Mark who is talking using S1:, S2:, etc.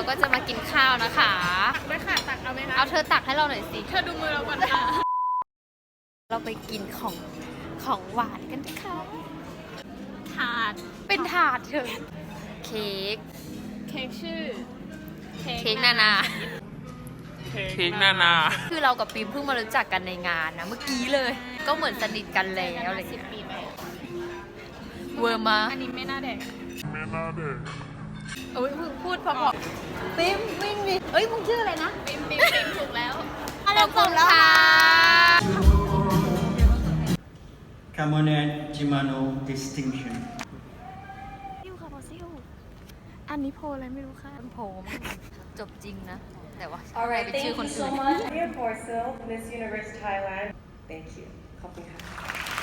S1: ก็จะมากินข้าวนะคะ
S2: ตักด้วยค่ะตักเอาไหมคะ
S1: เอาเธอตักให้เราหน่อยสิ
S2: เธอดูมือเราก่อนค่ะ
S1: เราไปกินของหวานกันนะคะ
S2: ถาด
S1: เป็นถาดเถอะเค้ก
S2: เค้กชื่อ
S1: เค้กนานา
S3: เค้กนานา
S1: คือเรากับปิมเพิ่งมารู้จักกันในงานนะเมื่อกี้เลย ก็เหมือนสนิทกันแล้วอะไรอย่าง
S2: 10
S1: เงี้ย
S2: ปีไป
S1: เวอร์มา
S2: อันนี้ไม่น่าแดก
S1: เอ้ยมึงพูดพอๆปิมวิ่งดิเอ้ยมึงชื่ออะไรนะ
S2: ปิมถูกแล้ว
S1: ขอบคุณค่ะ
S4: Camonette Shimano Distinction
S2: ซิวค่ะพอซิวอันนี้โพลอะไรไม่รู้ค่ะ
S1: ต้นโพมจบจริงนะ แต่ว่า
S5: All right,
S1: เป็น
S5: thank
S1: ชื่อ
S5: you
S1: คนอื่
S5: so
S1: น
S5: much. Maria Porcel, Miss Universe Thailand. Thank you. ขอบคุณค่ะ